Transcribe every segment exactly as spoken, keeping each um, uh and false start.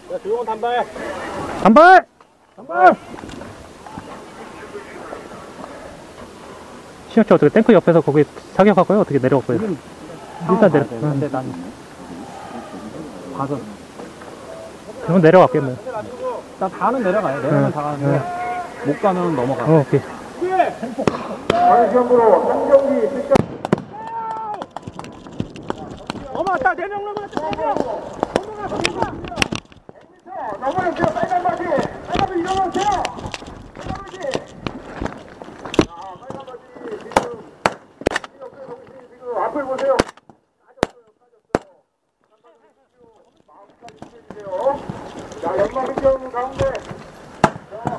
자, 조용한 단발. 단발! 단발! 신혁씨 어떻게 탱크 옆에서 거기 사격할 거예요? 어떻게 내려갈 거예요? 일단 내려. 근데 난 가서 그러면 내려갈게 뭐. 나 다는 내려가요. 내려면 응, 다 가는데 응. 못 가면 넘어가. 어, 오케이. 방시험으로 한 경기 실전. 넘어갔다. 네 명 넘어갔다. 네 명. 넘어가세요. 빨간 바지. 빨간 바지 일어나세요. 빨간 바지. 자, 빨간 바지 지금 옆에 동신 지금 앞을 보세요. 빠졌어요. 빠졌어요. 마음까지 주세요. 자, 연마민경 가운데. 자,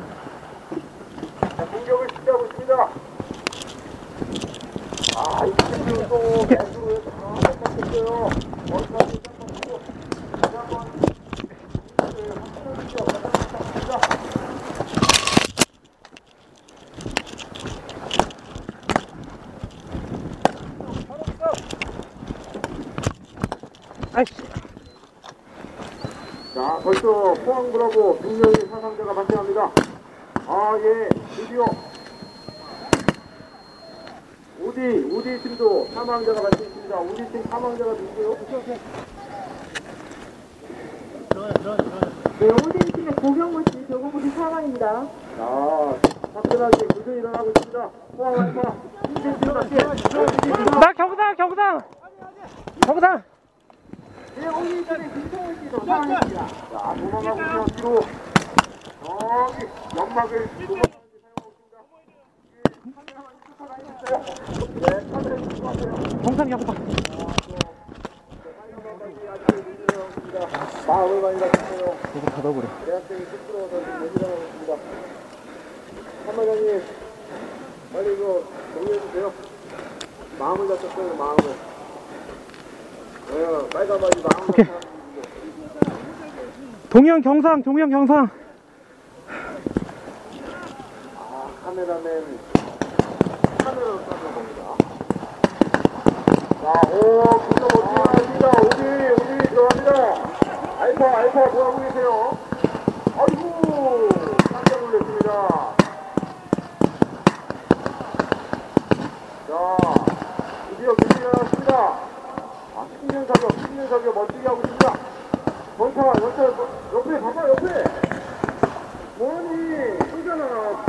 자, 공격을 시작하고 있습니다. 아, 이 팀은 또 배수로 다 뺏겼어요. 머리까지 뺏겼고. 다시 한번 아이씨. 자, 벌써 포항구라고 두 명의 사상자가 발생합니다. 아, 예, 드디어 우디, 우디 팀도 사망자가 발생했습니다. 우디 팀 사망자가 누구요? 네, 오딘 팀의 고경모 씨, 조경모 씨 사망입니다. 자, 화끈하게 교전이 일어나고 있습니다. 포항 알파, 이제 일어났지? 나 경상, 경상! 경상! 네, 오딘 팀의 김성훈 씨도 사망했습니다. 자, 도망가고 있어요, 뒤로. 저기, 연막을 도망가는데 사용하고 있습니다. 네, 카메라 주시고 하세요. 경상, 경상. 마음을 많이 다쳤어요. 조금 닫아버려. 대학생이 쑥스러워서 지금 얘기를 하고 있습니다. 한마장님, 빨리 이거 정리해주세요. 마음을 다쳤어요, 마음을. 네, 빨간 바지 마음을 오케이. 다쳤어요. 동영 경상, 동영 경상. 아, 카메라맨. 카메라로 쏴는 겁니다. 자, 오, 진짜 멋지게 나옵니다. 오디, 오디 들어갑니다. 알파, 알파, 뭐하고 계세요? 아이고, 깜짝 놀랐습니다. 자, 드디어 드디어 나왔습니다. 아, 십년 사격, 십년 사격 멋지게 하고 있습니다. 전차, 전차, 옆에, 봐봐, 옆에. 뭐니, 쏘잖아.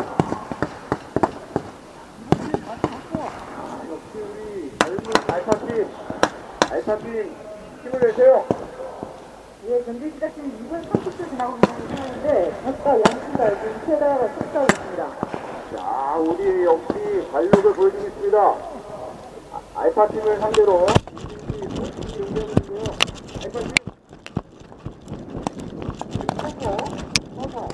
아, 역시 우리 젊은 알파팀, 알파팀 힘을 내세요. 예, 경기 시작 지금 이 분 삼십 초 지나고 있는 상황인데, 각각 양팀과 지금 최다가 속도하고 있습니다. 자, 우리 역시 발력을 보여주고 있습니다. 아, 알파팀을 상대로 이팀이 연결했는데요. 알파팀 서서 서서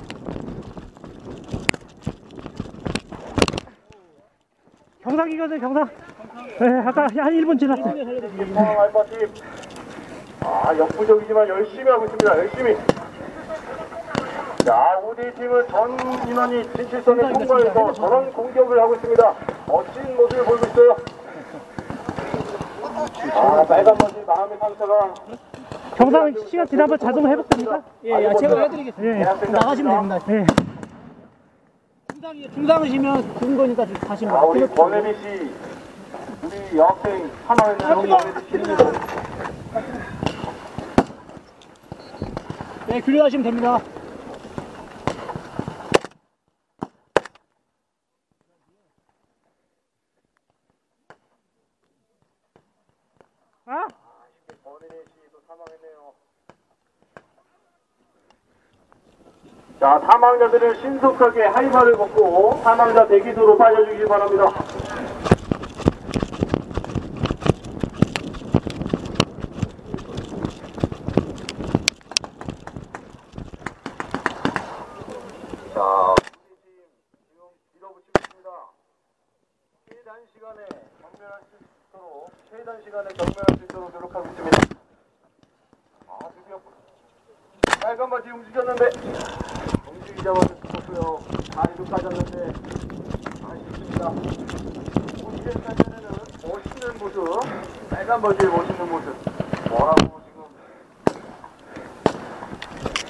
경상이거든, 경상. 네, 아까 한 일 분 지났어요. 포항 알파팀 아, 역부족이지만 열심히 하고 있습니다. 열심히. 자, 우리 팀은 전 인원이 진출선을 통과해서 저런 공격을 하고 있습니다. 멋진 모습을 보이고 있어요. 아, 빨간 머지 마음의 상처가. 경상 시간 지나면 자동 회복됩니까? 예, 예, 제가 해드리겠습니다. 예. 대학생 나가시면 같습니다. 됩니다. 예. 중상이 중상이시면 군 거니까 가시면 아, 우리 됩니다. 권혜미 씨, 우리 여학생 사망했는 우리 권혜미 씨. 네, 교류하시면 됩니다. 아? 권혜미 씨도 사망했네요. 자, 사망자들은 신속하게 하이바를 벗고 사망자 대기소로 빠져주길 바랍니다. 자, 우리 팀 지금 밀어붙이고 있습니다. 최단 시간에 경멸할 수 있도록 최단 시간에 경멸할 수 있도록 노력하고 있습니다. 아, 드디어 빨간 바지 움직였는데 움직이자마자 죽었고요. 다리도 까졌는데 아쉽습니다. 우시를 탈 때는 멋있는 모습, 빨간 바지의 멋있는 모습 뭐라고 지금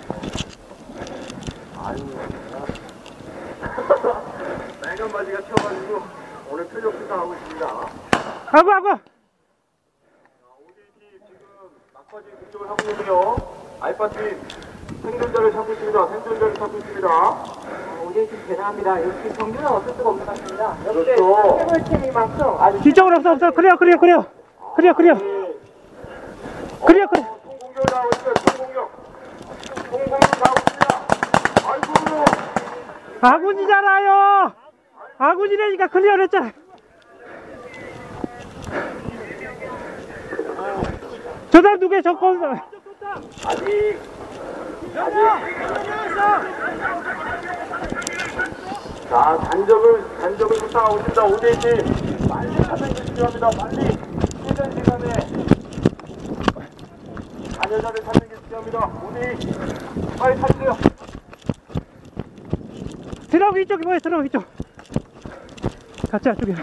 빨간 바지가 튀어가지고 오늘 표적 수사하고 있습니다. 아구 아구. 오디팀 지금 막바지 공격을 하고 있는데요. 알파팀 생존자를 찾고 있습니다. 생존자를 찾고 있습니다. 오디팀 대단합니다. 역시 정규는 어쩔 수가 없는 것 같습니다. 역시 그렇죠. 해볼팀이 많죠. 아주 뒤쪽으로 없어 없어. 그래요 그래요 그래요. 그래요 그래요. 그래요 그래요. 총공격 나오고 있어요. 총공격. 총공격 나오고 있습니다. 아이고. 아군이잖아요. 아군이라니까 클리어를 했잖아. 저 사람 누구야 저 건. 아직. 아직. 자, 단적을, 단적을 수상하고 있습니다. 오디팀. 빨리 찾는 게 필요합니다. 빨리. 쉬는 시간에. 자녀자를 찾는 게 필요합니다. 오디. 빨리 찾으세요. 드럼 이쪽이 뭐야 드럼 이쪽. 같이 안쪽이야.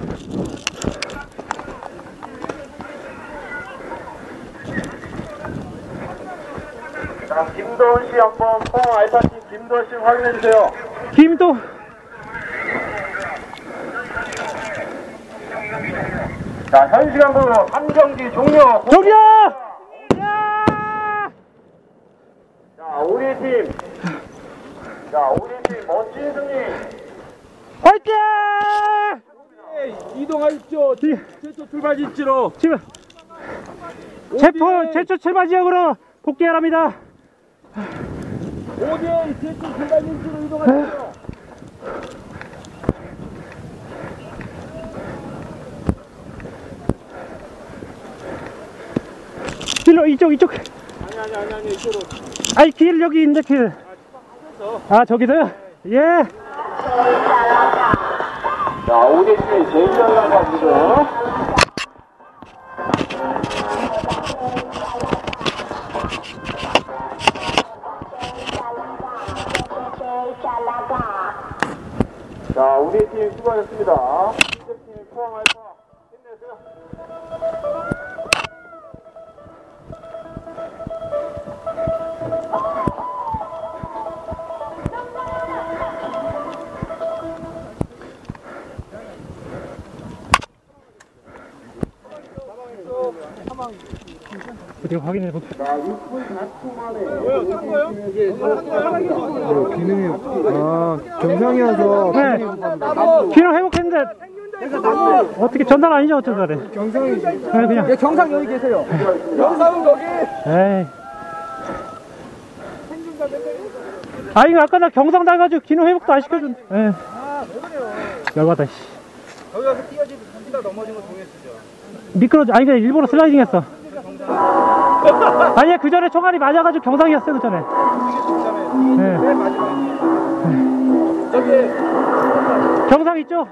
자, 김도훈 씨 한번 포항 알파팀 김도훈 씨 확인해 주세요. 김도. 자, 현 시간으로 삼 경기 종료. 저기요. 야! 자, 우리 팀. 자, 우리 팀 멋진 승리. 화이팅! 이동하십시오. 지- 최초 출발 지치로. 지금 체포 제초 출발 지역으로 복귀하랍니다. 오디엔 최초 출발 지치로 이동하십시오. 길로 이쪽 이쪽. 아니 아니 아니 아니 이쪽으로. 아이 길 여기 있는데 길. 아 저기서요? 예. 자, 우리 팀이 제일 잘 나가지고. 자, 우리 팀 수고하셨습니다. 팀 포항 알파 힘내세요. 어디 확인해 볼게. 자, 육 분 사 초 만에. 기능이 아 경상이어서 네. 기능 회복했는데 어떻게 전달 아니죠 어쩌다래. 경상이지. 네, 그냥. 경상 여기 계세요. 경상은 거기. 에이. 아 이거 아까 나 경상 나가지고 기능 회복도 안 시켜준. 에. 열받아 씨. 거기 가서 뛰어지 뛰다 넘어진 거 동했죠. 미끄러 아니 그냥 일부러 슬라이딩했어. 아니야 그 전에 총알이 맞아가지고 경상이었어 그 전에. 네. 저기 경상 있죠?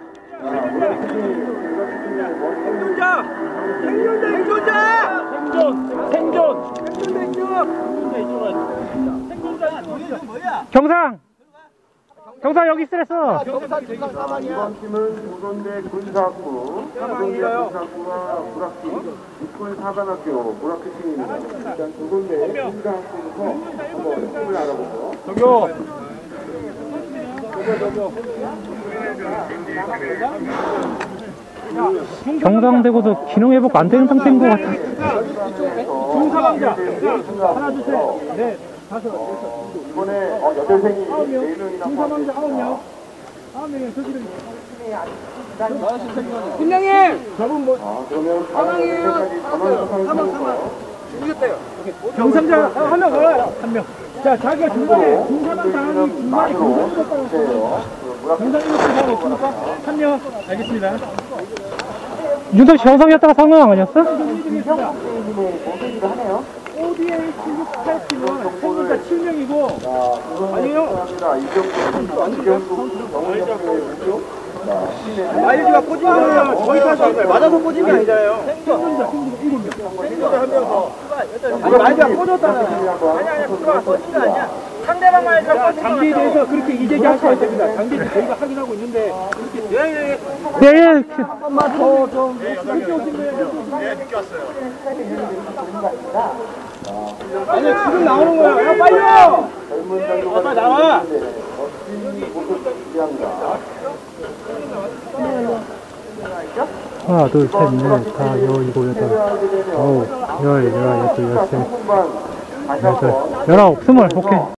생존자! 생존자! 생존자! 생존! 생존! 생존자 이쪽으로. 생존자 이쪽으로. 뭐야? 경상. 경상 여기 있으랬어. 경산 경산 사망이야. 이번 팀은 조선대 군사학부, 조선대 군사학부와 불학팀, 육군 사관학교 불학팀입니다. 일단 조선대 군사학부부터 한번 팀을 알아보고. 저기요. 저기요 저기요. 경상되고도 기능 회복 안 되는 상태인 것 같아. 중사강자. 하나 둘 셋. 넷 다섯 여섯. 이번에 어, 여대생이 네 명이나 중사강자 아홉 명. 아홉 명이 저기를. 저분 뭐 아, 그러면 사망이에요. 사망, 사망. 경상자 한 명 가요. 한 명. 자 자기가 중간에 중사강 당하니 중간에 경상 잃었다고 했어요. 경상 잃었다고 했으니까 한 명. 알겠습니다. 윤석 씨 경상이었다가 상황 아니었어? 오디에이 칠십팔 팀은 생존자 칠 명이고 아니요. 마일리지가 꽂은 거는 거기까지 맞아서 꽂은 게 아니잖아요. 생존자 생존자 일곱 명. 생존자 한 명 더. 아니 마일리지가 꽂았잖아. 아니 아니 그거 꽂은 거 아니야. 상대방 마일리지가 꽂은 거. 장비에 대해서 그렇게 이제기 하시면 안 됩니다. 장비 저희가 확인하고 있는데 이렇게 예예 네. 예. 한 번만 더좀 늦게 오신 거예요. 네, 늦게 왔어요. 아니 지금 나오는 거야. 야 빨리요. 젊은 장교가 아, 빨리 나와. 멋진 모습 기대합니다. 하나, 둘, 셋, 넷, 다, 여, 일곱, 여덟, 아홉, 열, 열하나, 열둘, 열셋, 삼 분만 다시 열여덟, 한번 열아홉, 스물, 오케이.